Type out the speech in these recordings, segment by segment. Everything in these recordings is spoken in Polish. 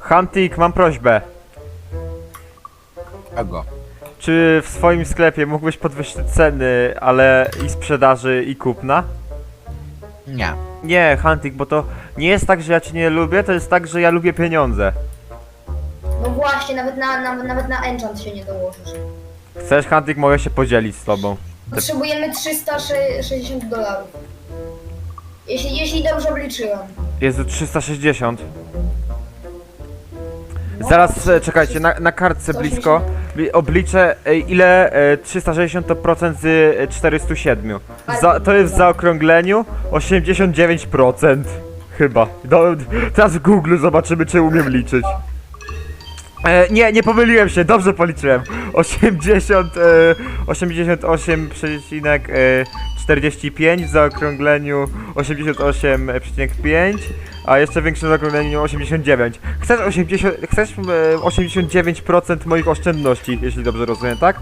Huntik, mam prośbę. Czego? Czy w swoim sklepie mógłbyś podwyższyć ceny, ale i sprzedaży i kupna? Nie. Nie, Huntik, bo to nie jest tak, że ja cię nie lubię, to jest tak, że ja lubię pieniądze. No właśnie, nawet na enchant się nie dołożysz. Chcesz, Huntik, mogę się podzielić z tobą. Potrzebujemy $360. Jeśli dobrze obliczyłem. Jezu, 360. Zaraz, czekajcie, na kartce blisko obliczę ile 360 to procent z 407. To jest w zaokrągleniu 89%. Chyba. Teraz w Google zobaczymy, czy umiem liczyć. Nie pomyliłem się, dobrze policzyłem. 88,45 w zaokrągleniu 88,5, a jeszcze większe w zaokrągleniu 89. Chcesz 89% moich oszczędności, jeśli dobrze rozumiem, tak?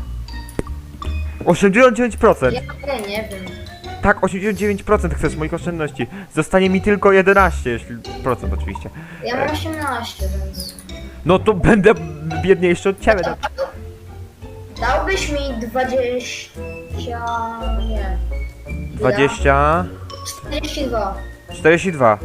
89%! Ja nie wiem. Tak, 89% chcesz moich oszczędności. Zostanie mi tylko 11, jeśli procent oczywiście. Ja mam 18, więc... No to będę biedniejszy od ciebie. Dałbyś mi 20... nie. 20... 42. 42.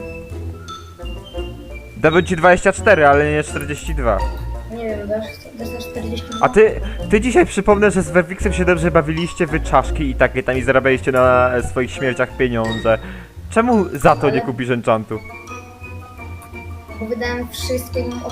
Dałbym ci 24, ale nie 42. Nie wiem, dasz na 42? A ty dzisiaj przypomnę, że z Werwixem się dobrze bawiliście, wy czaszki i takie tam i zarabialiście na swoich śmierciach pieniądze. Czemu za to nie kupisz enchantu? Bo wydałem wszystkie $18.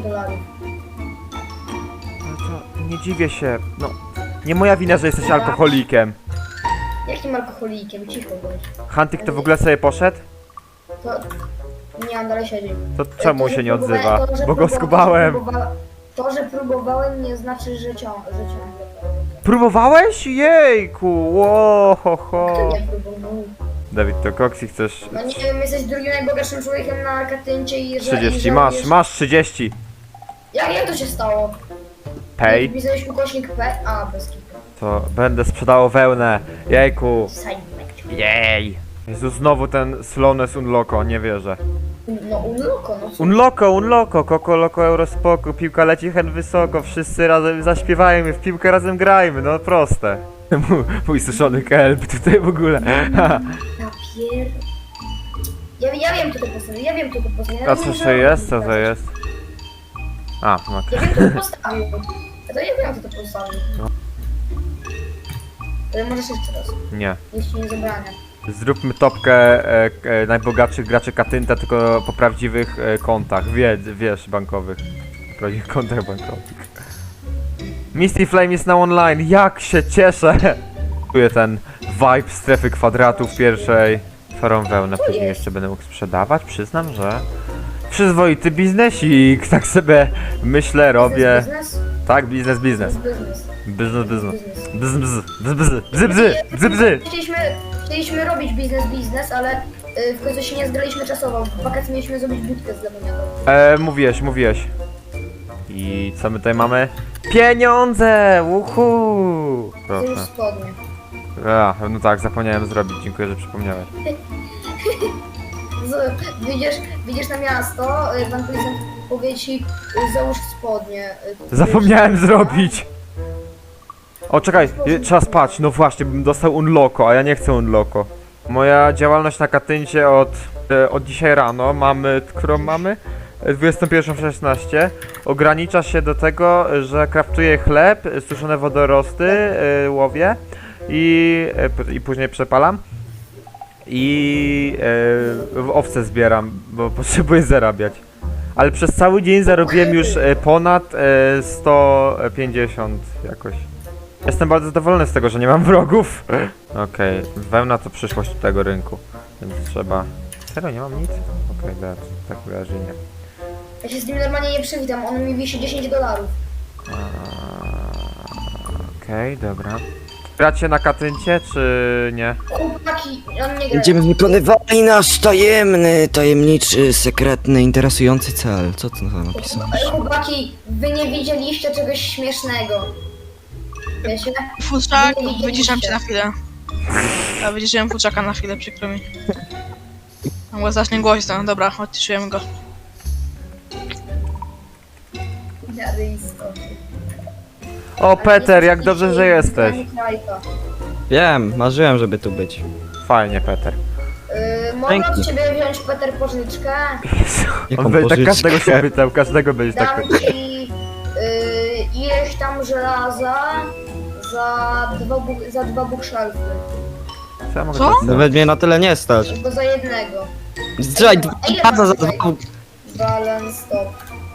No to nie dziwię się, no. Nie moja wina, że jesteś alkoholikiem. Jakim alkoholikiem? Cicho bądź. Huntik to w ogóle sobie poszedł? To... Nie, on dalej siedzi. To czemu że się nie próbowałem- odzywa? to, że Bo go próbowałem- skubałem. To, że próbowałem, nie znaczy, że ciągle. Próbowałeś? Jejku, ło, ho, Kto ho. nie próbował? Dawid, to Koksi chcesz No nie wiem, jesteś drugim najbogatszym człowiekiem na Katyncie i że... 30, i że masz 30. Jak to się stało? Pay. Wpisałeś ukośnik P? A, bez kitu. To będę sprzedawał wełnę. Jejku. Sajmek. Jej. Jezu, znowu ten slowness unloco, nie wierzę. No unloko, no co? Unloco, Koko Loko Eurospoko, piłka leci hen wysoko, wszyscy razem zaśpiewajmy, w piłkę razem grajmy, no proste. Mój suszony kelp tutaj w ogóle. Ja pier... Ja wiem, kto to postawił, ja wiem, kto to postawił. A co to jest? Co to jest? A, no. Ja wiem, kto to postawił. Ja wiem, kto to postawił. No. Ale możesz jeszcze raz. Nie. Nic ci nie zabrania. Zróbmy topkę najbogatszych graczy Katynta, tylko po prawdziwych kontach, wiesz, bankowych. Po prawdziwych kontach bankowych. Misty Flame jest na online, jak się cieszę! Czuję ten vibe strefy kwadratów pierwszej. Twarą wełnę później jest? jeszcze będę mógł sprzedawać, przyznam, że... Przyzwoity biznesik, tak sobie myślę, robię. Biznes? Tak, biznes. Biznes. Biznes. Biznes. Bzy. Chcieliśmy robić biznes, ale w końcu się nie zgraliśmy czasowo. W wakacje mieliśmy zrobić budkę z lemoniadą. Mówiłeś. I co my tutaj mamy? Pieniądze! Uhu! To już Proszę. spodnie. No tak, zapomniałem zrobić, dziękuję, że przypomniałeś. Wyjdziesz na miasto, pan policjant powie ci, załóż spodnie. Zapomniałem zrobić! O, czekaj, trzeba spać, no właśnie, bym dostał unloco, a ja nie chcę unloco. Moja działalność na Katyncie od dzisiaj rano, którą mamy? 21:16 ogranicza się do tego, że kraftuję chleb, suszone wodorosty, łowię i później przepalam i owce zbieram, bo potrzebuję zarabiać. Ale przez cały dzień zarobiłem już ponad 150 jakoś. Jestem bardzo zadowolony z tego, że nie mam wrogów. Okej, wełna to przyszłość tego rynku, więc trzeba... Serio, nie mam nic? Okej, tak wyraźnie nie. Ja się z nim normalnie nie przywitam, on mi wisi $10. Okej, dobra. Gracie na Katyncie, czy nie? Chłopaki, on nie gra. Będziemy wykonywali nasz tajemniczy, sekretny, interesujący cel. Co ty na to napisałeś? Chłopaki, wy nie widzieliście czegoś śmiesznego. Wiecie? Futrzak, Nie widzieliście. wyciszam cię na chwilę. Ja wyciszyłem futrzaka na chwilę, przykro mi. Mogło zacznie głośno, dobra, odciszyłem go. miary istoty. O, Peter, jak dobrze, że jesteś. Wiem, marzyłem, żeby tu być. Fajnie, Peter. Mogę od Dzięki. ciebie wziąć, Peter, pożyczkę? Jaką On będzie tak pożyczkę? każdego się pytał, każdego będzie tak Dam pytał. ci ileś tam żelaza za dwa bookshelfy. Co ja mogę Co? teraz zrobić? Nawet mnie na tyle nie stać. Albo za jednego. Zdraj, Ile dwa za masz dwa. tutaj? Balance stop.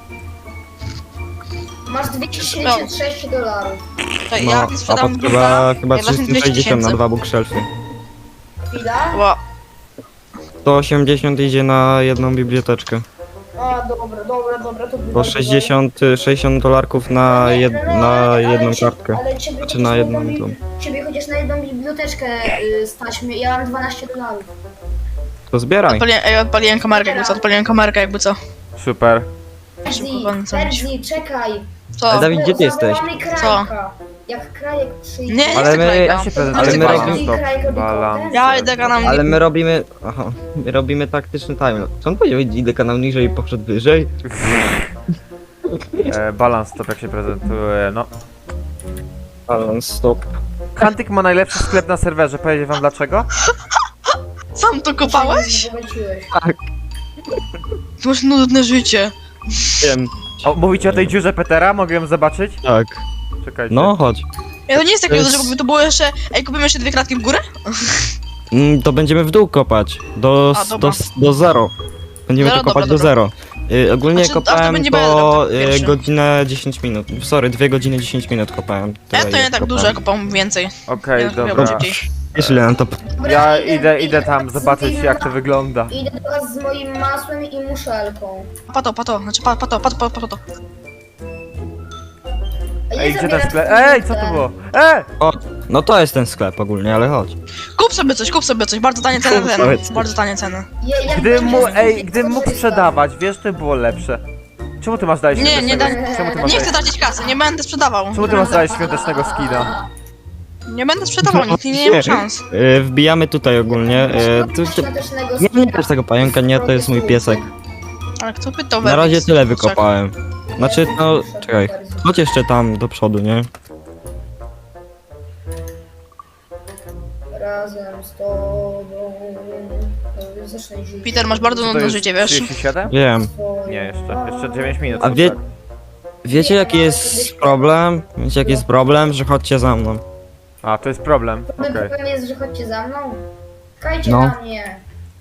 Masz 276 dolarów. To No, ja a sprzedam pod chyba ja wezmę 360 na 200 2 bookshelfy. Chwila. Ła, 180 idzie na jedną biblioteczkę. A, dobra, to Bo 60 dolarków na jedną kartkę. Ale ciebie Znaczy chociaż na jedną Ciebie chociaż na jedną biblioteczkę stać mnie. Ja mam 12 dolarów. To zbieraj. odpaliłem kamerkę jakby co. Super. Terzi, czekaj. Co? Ale Dawid, gdzie ty jesteś? Zawołamy Krajka. Jak Krajek przyjdzie... Nie, Ale chcę my- krajka. Ja się prezentuję. Ale my Balans robimy- stop. Krajek robi Balans. content. Ja idę kanał Ale my robimy... Aha, my robimy taktyczny timelapse. Co on powiedział? Idę kanał niżej i poszedł wyżej? Balans stop, jak się prezentuje, no. Balance stop. Kantyk ma najlepszy sklep na serwerze, powiedzieć wam dlaczego? Sam to kopałeś? Zobaczyłeś. Ty masz nudne życie. Wiem. O, mówicie o tej dziurze Petera? Mogę ją zobaczyć? Tak. Czekajcie. No, chodź. Ja to nie jest takie To dużo, jest- żeby to było jeszcze... Ej, kupimy jeszcze 2 klatki w górę? To będziemy w dół kopać. A, dobra. Do zero. Będziemy Zero, to kopać dobra, do zero. Ogólnie Znaczy, a to kopałem będzie to bedrock pierwszy. godzinę 10 minut. Sorry, 2 godziny 10 minut kopałem. To nie tak dużo, ja kopam więcej. Okej, Ja dobra. szybciej. Wiesz ile nam to... Dobra, Ja idę tam z zobaczyć tym- jak to wygląda. Idę do was z moim masłem i muszelką. Pato, znaczy pato. A nie Ej, gdzie ten zabieram sklep? swój Ej, co to ten. było? O, no to jest ten sklep ogólnie, ale chodź. Kup sobie coś, bardzo tanie ceny ten. Powiedz. Bardzo tanie ceny. Jak Gdybym będzie gdybym mógł korzysta. sprzedawać, wiesz, to by było lepsze. Czemu ty masz dalej Nie, nie świątecznego... Czemu ty masz Nie dalej... chcę tracić kasy, nie będę sprzedawał. Czemu ty masz dalej świątecznego skina? Nie będę sprzedawał, nikt nie ma szans. Wbijamy tutaj ogólnie. Świątecznego Nie skina. też tego pająka, nie, to jest mój piesek. Ale kto pytał Na razie Werbix? tyle wykopałem. Znaczy, no, czekaj. Chodź jeszcze tam do przodu, nie? Razem z tobą. Zacznę żyć. Peter, masz bardzo Co to nudne jest, życie, wiesz? 37? Wiem. Nie, jeszcze 9 minut. A wie- tak. Wiecie jaki jest problem? Wiecie jaki jest problem? Że chodźcie za mną. A, to jest problem, okej. Problem jest, że chodźcie za mną. Czekajcie No. na mnie.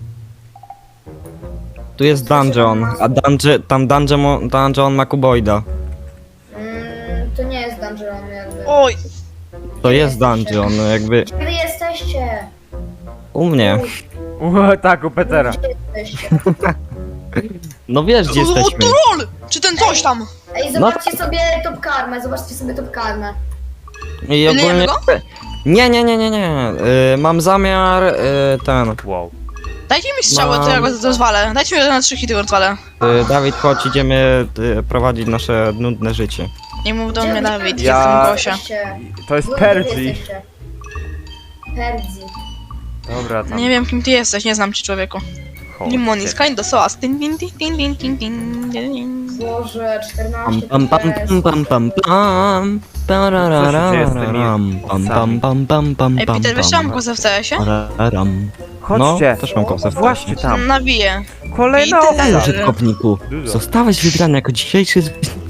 Tu jest dungeon, a dungeon ma kuboida. To nie jest dungeon jakby. Oj, To jest dungeon, jakby Gdzie wy jesteście? u mnie. Tak, u Petera. Gdzie jesteście? No wiesz gdzie o, jesteśmy. troll! Czy ten coś tam? Ej, zobaczcie sobie top karmę, zobaczcie sobie top karmę. I Lejemy go? Nie. Mam zamiar ten. Wow. Dajcie mi strzały, to ja go rozwalę. Dajcie mi na 3 hity, go rozwalę. Dawid, chodź, idziemy prowadzić nasze nudne życie. Nie mów do mnie, Dawid, Ja- jestem Gosia. Jesteście? To jest Wy Perzi. jesteście? Perzi. Dobra, tam. Nie wiem kim ty jesteś, nie znam cię człowieku. Chodźcie. Limon is kind of sauce. Tin, tin, tin, tin, tin, tin, tin, tin. Boże, 14 Pam pam pam pam pam pam pam. Ej, Peter, wiesz, mam kozę w CS-ie? Chodźcie. No, też mam kosę w Właśnie tam. Nawiję. Kolejna Peter. Ej, owca. użytkowniku, Dużo. zostałeś wybrany jako dzisiejszy...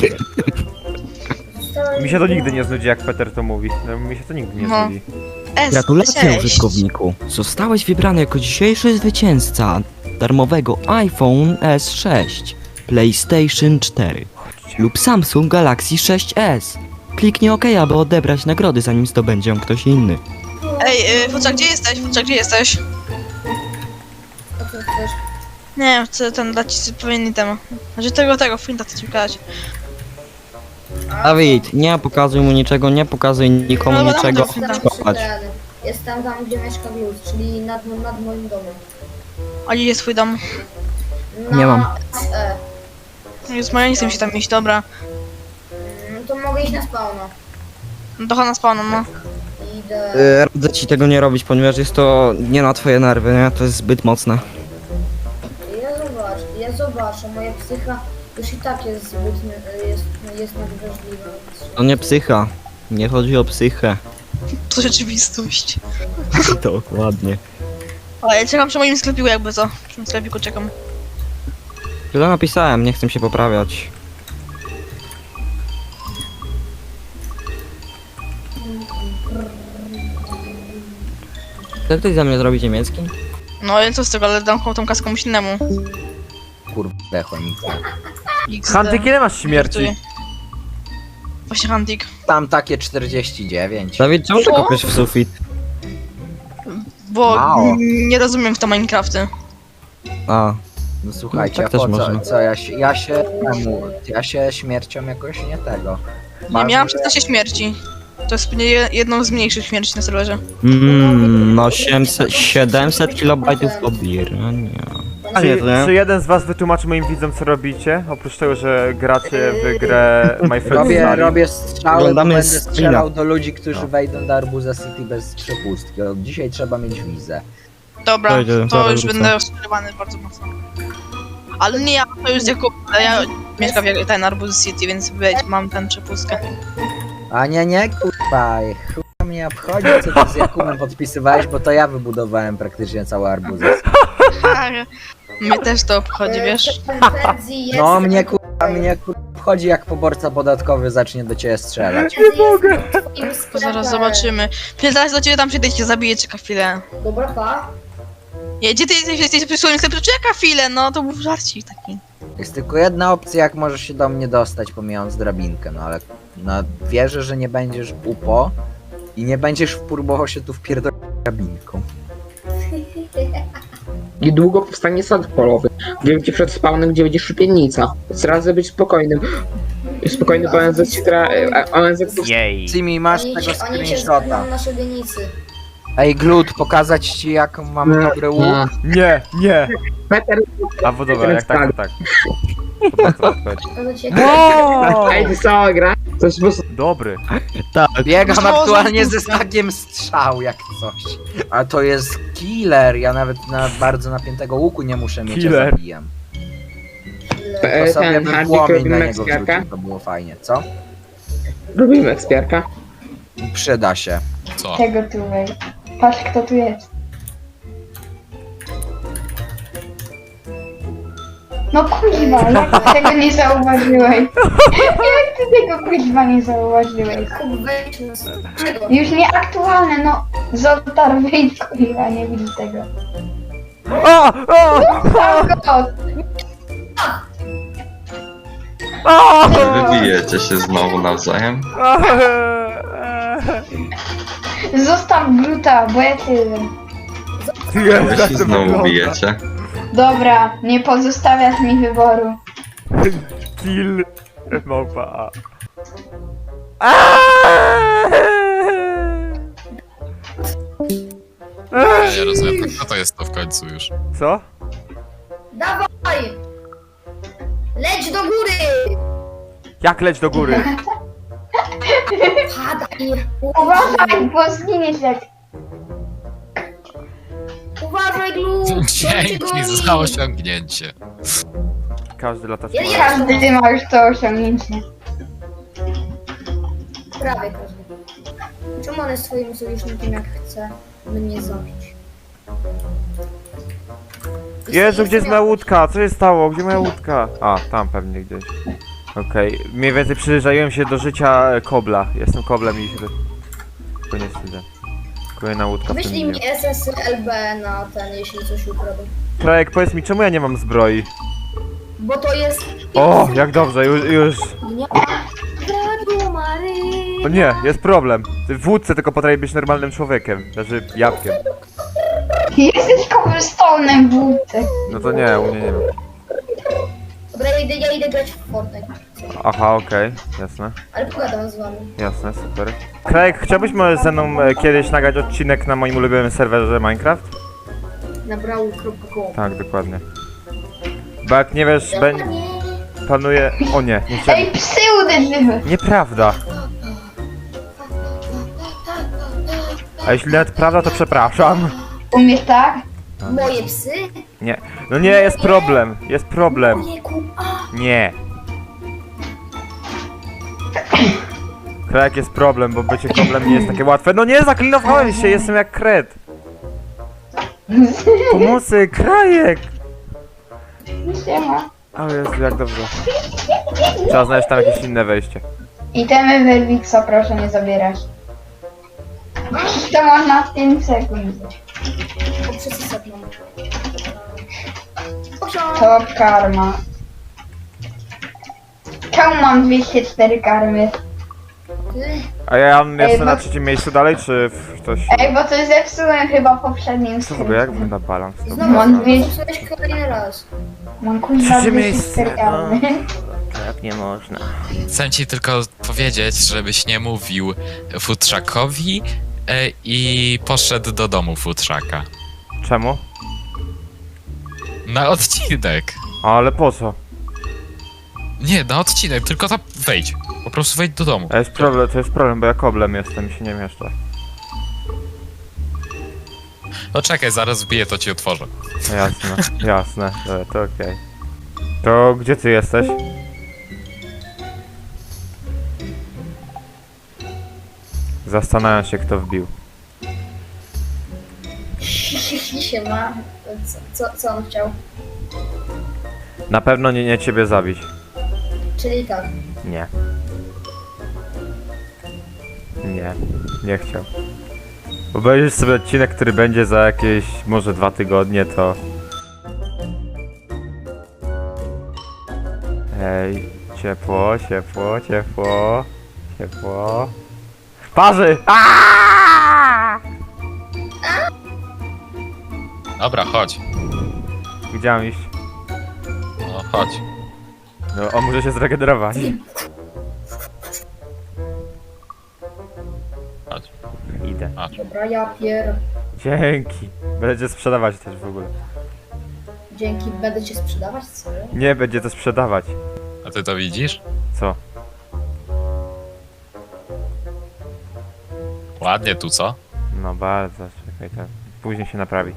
Mi się to nigdy nie znudzi, jak Peter to mówi. No, mi się to nigdy nie No. znudzi. Gratulacje, Cześć. użytkowniku. Zostałeś wybrany jako dzisiejszy zwycięzca darmowego iPhone S6, PlayStation 4 lub Samsung Galaxy 6s. Kliknij OK, aby odebrać nagrody, zanim zdobędzie ją ktoś inny. Ej, Fuczak, gdzie jesteś? Fuczak, gdzie jesteś? A co chcesz? Nie wiem, chcę ten dać ci pewien temat. Znaczy tego, Flinta chcę ci pokazać. Dawid, nie pokazuj mu niczego, nie pokazuj nikomu No, bo niczego. tam Jestem Kopać. Jestem tam, gdzie mieszka Glut, czyli nad moim domem. A gdzie jest twój dom? Nie mam. SE. Jest moja, nie chcę mi się tam iść, dobra. To mogę iść na spawna. No to na spawnu, no. Idę. Radzę ci tego nie robić, ponieważ jest to nie na twoje nerwy, nie? To jest zbyt mocne. Ja zobaczę, moja psycha Już i tak jest zbyt, jest nadwrażliwa. To nie psycha. Nie chodzi o psychę. To rzeczywistość. Dokładnie. Ale ja czekam przy moim sklepiku jakby co. Przy tym sklepiku czekam. Tyle napisałem, nie chcę się poprawiać. Chce ktoś za mnie zrobić niemiecki? No i co z tego, ale dam tą kaskę komuś innemu. Kurde, chomika. XD. Hantyk, ile masz śmierci? Żartuję. Właśnie Hantik. Tam takie 49. Dawid, czemu ty Co? kopiesz w sufit? Bo Mało. nie rozumiem w to Minecrafty. A, No słuchajcie, No, tak a po też co? można. Co ja się śmiercią jakoś nie tego. Nie miałam 16 śmierci. To jest pewnie jedną z mniejszych śmierci na serwerze. no 700 kilobajtów pobierania. A nie, to Czy nie. jeden z was wytłumaczy moim widzom, co robicie? Oprócz tego, że gracie w grę My Friend Sally. Robię strzały, bo Oglądamy będę screena. strzelał do ludzi, którzy No. wejdą do Arbuza City bez przepustki. Od dzisiaj trzeba mieć wizę. Dobra, Dojdzie, to zaraz już wrócę. będę rozczarowany bardzo mocno. Ale nie ja, to już Jakub, ale ja mieszkam w ten Arbuz City, więc wiecie, mam ten przepustkę. A nie, kurwa, chuj mnie obchodzi, co ty z Jakubem podpisywałeś, bo to ja wybudowałem praktycznie cały Arbuzę City. Mnie też to obchodzi, wiesz? Ferdzi jest... No mnie kurwa obchodzi, jak poborca podatkowy zacznie do ciebie strzelać. Nie mogę! To zaraz zobaczymy. Chwilę, zaraz do ciebie tam przyjdę i cię zabiję, czeka chwilę. Dobra, pa. Gdzie ty jesteś przy swoim sklepie? Czeka chwilę, no to był żarcik taki. Jest tylko jedna opcja, jak możesz się do mnie dostać, pomijając drabinkę, no ale no, wierzę, że nie będziesz upo i nie będziesz próbował się tu wpierdolić drabinką. Niedługo powstanie sad polowy. Wiem ci przed spawnem, gdzie będzie szupiennica. Więc radzę być spokojnym. Spokojny, bo ONZ się ONZ Jej. Cimi, masz Oni tego się screenshota. zgadną na szubienicy. Ej, Glut, pokazać ci, jak mam dobry łuk? Nie. Peter, A bo dobra, jak tak, to tak. To bardzo odpowiedź. Pokazać jak... ej, ty cała gra? To jest po prostu... Dobry. Tak. Biegam Znowu aktualnie ze puszka. stakiem strzał, jak coś. A to jest killer, ja nawet na bardzo napiętego łuku nie muszę mieć, Killer. ja zabijam. To sobie Ten bym Hardik płomień na robimy niego ekspiarka? wrzucił, to było fajnie, co? Robimy ekspiarka. Przyda się. Co? Tego tu wej. Patrz kto tu jest. No kuźwa, jak ty tego nie zauważyłeś? Jak ty tego kuźwa nie zauważyłeś? Kup, wejdź na... Czego? Już nieaktualne, no. Zotar wyjdź kuźwa, nie widzi tego. O! Zostaw go! Wybijecie się znowu nawzajem? Zostaw gluta, bo ja tyle. Wy się znowu bijecie? Dobra, nie pozostawiasz mi wyboru. Kill małpa A. Ja rozumiem, kto to jest to w końcu już? Co? Dawaj! Leć do góry! Jak leć do góry? Padaj! Uważaj, bo zginiesz jak... Uważaj, Glu! Dzięki za osiągnięcie. Każdy latacz Ja ma. nie- Każdy ty ma już to osiągnięcie. Prawie każdy. Czemu on jest swoim sojusznikiem, jak chce mnie zabić? Jezu, gdzie jest moja łódka? Co się stało? Gdzie moja łódka? A, tam pewnie gdzieś. Okej, mniej więcej przyjrzałem się do życia kobla. Jestem koblem i się... Tylko nie wstydzę. Kolejna łódka w tym Wyślij dniu. mi SSLB na ten, jeśli coś ukradł. Krajek, powiedz mi, czemu ja nie mam zbroi? Bo to jest... O, jak dobrze, już... Nie. Kradł Mary. O nie, jest problem. Ty w łódce tylko potrafi być normalnym człowiekiem. Znaczy, jabłkiem. Jesteś cobblestone'em w łódce. No to nie, u mnie nie ma. Dobra, ja idę grać w Fortnite. Aha, okej, jasne. Ale pogadam z wami. Jasne, super. Krajek, chciałbyś może ze mną kiedyś nagrać odcinek na moim ulubionym serwerze Minecraft? Na brawl.com. Tak, dokładnie. Bo jak nie wiesz, Nie. planuje... O nie, nie chciałem... Ej, psy uderzyły. Nieprawda. A jeśli nawet prawda, to przepraszam. Umiesz tak? Moje psy? Nie. No nie, jest problem. Jest problem. Ojejku, a! Nie. Krajek jest problem, bo bycie problem nie jest takie łatwe. No nie, zaklinowałem się, jestem jak kret. Pomocy, Krajek! Siema. O Jezu, jak dobrze. Trzeba znaleźć tam jakieś inne wejście. Itemy Werwixa proszę nie zabierać. To można w 5 sekund. O, przesysek mam. Top karma. Czemu mam 204 karmy? A ja jestem bo- na trzecim miejscu dalej, czy ktoś... Ej, bo coś zepsułem chyba w poprzednim Co w ogóle, jak skrypcie. wygląda balans? To Znowu Mam dwie- zepsułeś kolejny raz. Mam kuźwa Trzecie 204 miejsce, karmy. Tak nie można. Chcę ci tylko powiedzieć, żebyś nie mówił futrzakowi i poszedł do domu futrzaka. Czemu? Na odcinek. Ale po co? Nie, na odcinek, tylko tam wejdź. Po prostu wejdź do domu. To jest problem, bo ja koblem jestem i się nie mieszczę. No czekaj, zaraz wbiję, to ci otworzę. No jasne, jasne, dobra, to okej. To gdzie ty jesteś? Zastanawiam się, kto wbił. się ma. Co on chciał? Na pewno nie ciebie zabić. Czyli tak. Nie. Nie, nie chciał. Obejrzysz sobie odcinek, który będzie za jakieś może 2 tygodnie, to... Ej, ciepło, ciepło, ciepło, ciepło... Parzy! Aaaa! Dobra, chodź. Gdzie mam iść? No, chodź. No, on może się zregenerować. Chodź. Idę. Dobra, ja pier... Dzięki. Będę cię sprzedawać też w ogóle. Dzięki, będę cię sprzedawać? Co? Nie, będzie to sprzedawać. A ty to widzisz? Co? Ładnie tu, co? No bardzo, czekaj, to później się naprawi.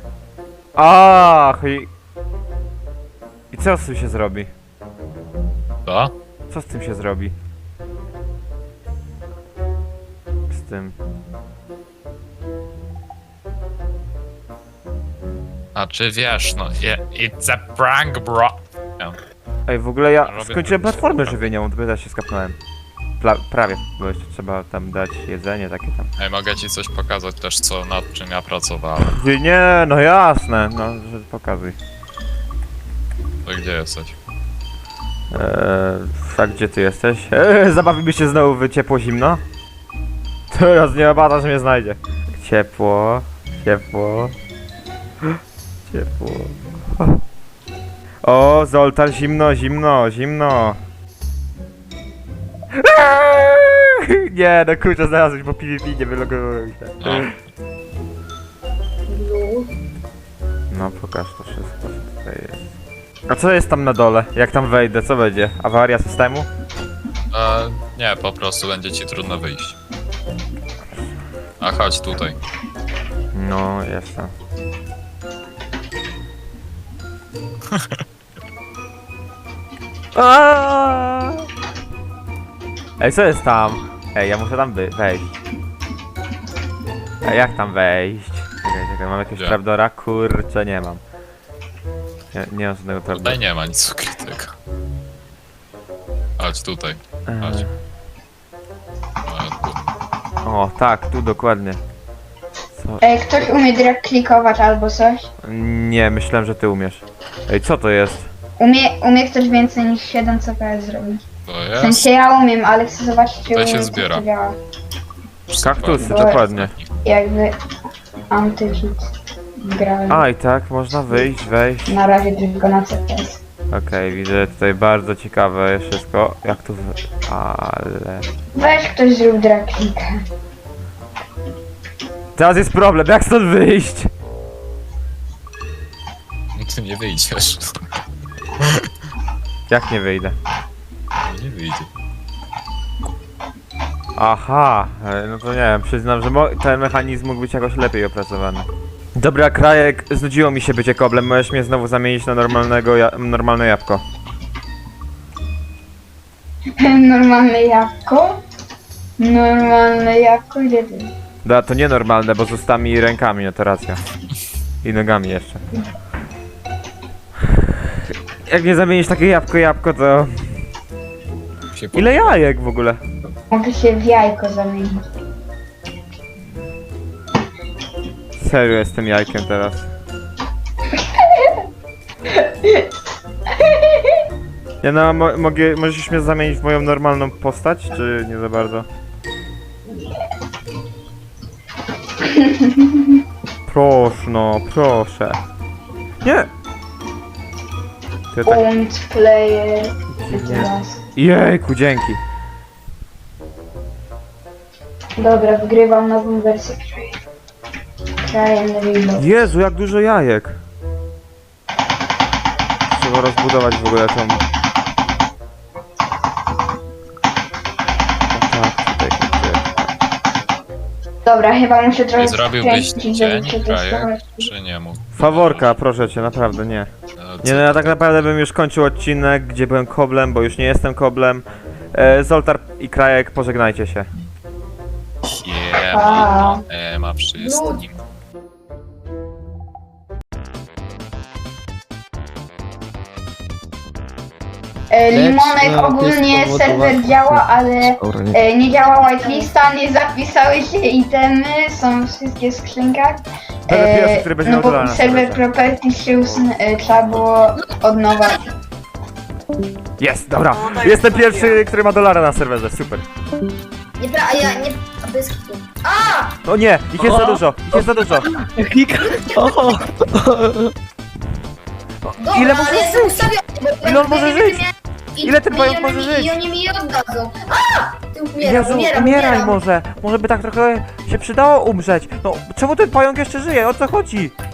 Ach, i co z tym się zrobi? To? Co z tym się zrobi? Z tym. A czy wiesz, no, it's a prank, bro. Ej, w ogóle ja Robię skończyłem to platformę wszystko. żywieniową, dopiero się skapnąłem. Prawie, bo jeszcze trzeba tam dać jedzenie takie tam. Ej, mogę ci coś pokazać też, co nad czym ja pracowałem. Nie, no jasne, no, że pokazuj. To gdzie jesteś? A gdzie ty jesteś? Zabawimy się znowu w ciepło zimno? Teraz nie obada, że mnie znajdzie. Ciepło, ciepło. Ciepło. O, Zoltar, zimno, zimno, zimno. Nie, no kurczę, znalazłeś, bo PvP nie wylogowałem się. No. Lu. No, pokaż to wszystko, co tutaj jest. A co jest tam na dole? Jak tam wejdę, co będzie? Awaria systemu? Nie, po prostu będzie ci trudno wyjść. A chodź tutaj. No, jestem. Aaaa! Ej, co jest tam? Ej, ja muszę tam wejść. Ej, jak tam wejść? Czekaj, mam jakiegoś Gdzie? trapdora? Kurczę, nie mam. Nie mam żadnego trapdora. Tutaj nie ma nic ukrytego. Chodź tutaj. Chodź. O, tak, tu dokładnie. Co? Ej, ktoś umie drag klikować albo coś? Nie, myślałem, że ty umiesz. Ej, co to jest? Umie ktoś więcej niż 7 CPS zrobić. To W jest. sensie ja umiem, ale chcę zobaczyć, czy Tutaj się umiem, zbiera. jak to działa. Kaktusy, Bo- dokładnie. Jakby anti-cheat grałem. A, i tak, można wyjść, wejść. Na razie tylko na CPS. Okej, widzę tutaj bardzo ciekawe wszystko. Jak tu ale... Weź ktoś zrób drag klika. Teraz jest problem, jak stąd wyjść? No ty nie wyjdziesz. Jak nie wyjdę? Nie wyjdzie. Aha, no to nie wiem, przyznam, że ten mechanizm mógł być jakoś lepiej opracowany. Dobra, Krajek, znudziło mi się bycie koblem, możesz mnie znowu zamienić na normalne jabłko. Normalne jabłko? Normalne jabłko? Gdzie ty? Da, to nienormalne, bo z ustami i rękami, no to racja. I nogami jeszcze. Jak nie zamienisz takie jabłko, to... Się Ile jajek w ogóle? Mogę się w jajko zamienić. Serio jestem jajkiem teraz. Ja no, możesz mnie zamienić w moją normalną postać, czy nie za bardzo? Proszę, no, proszę. Nie! Ty tak... Und player. Nie. Jejku, dzięki. Dobra, wygrywam nową wersję Cry and Reload. Jezu, jak dużo jajek. Trzeba rozbudować w ogóle tą... O tak, tutaj, Dobra, chyba muszę trochę Nie zrobiłbyś skręcić, cień, żeby przetestować. krajek, czy nie mógł? Faworka, proszę cię, naprawdę nie. Nie no, ja tak naprawdę bym już kończył odcinek, gdzie byłem koblem, bo już nie jestem koblem. Zoltar i Krajek, pożegnajcie się. Siema, ma wszystkim. Limonek ogólnie serwer działa, ale nie działa whitelista, nie zapisały się itemy, są wszystkie w skrzynkach. Będę pierwszy, który będzie No miał bo dolara na serwer serwerze. properties się trzeba było od nowa. Jest, dobra. Jestem pierwszy, który ma dolara na serwerze, super. A ja nie... A bez kitu. A! O nie, ich jest za dużo, ich jest za dużo. Dobra, Ile może ale jestem żyć? ustawiony, bo Ile on może ja nie żyć? wiem, Ile ten pająk i może żyć? I oni mi je oddadzą. Ty Jezu, umieraj umieram. może. Może by tak trochę się przydało umrzeć. No, czemu ten pająk jeszcze żyje? O co chodzi?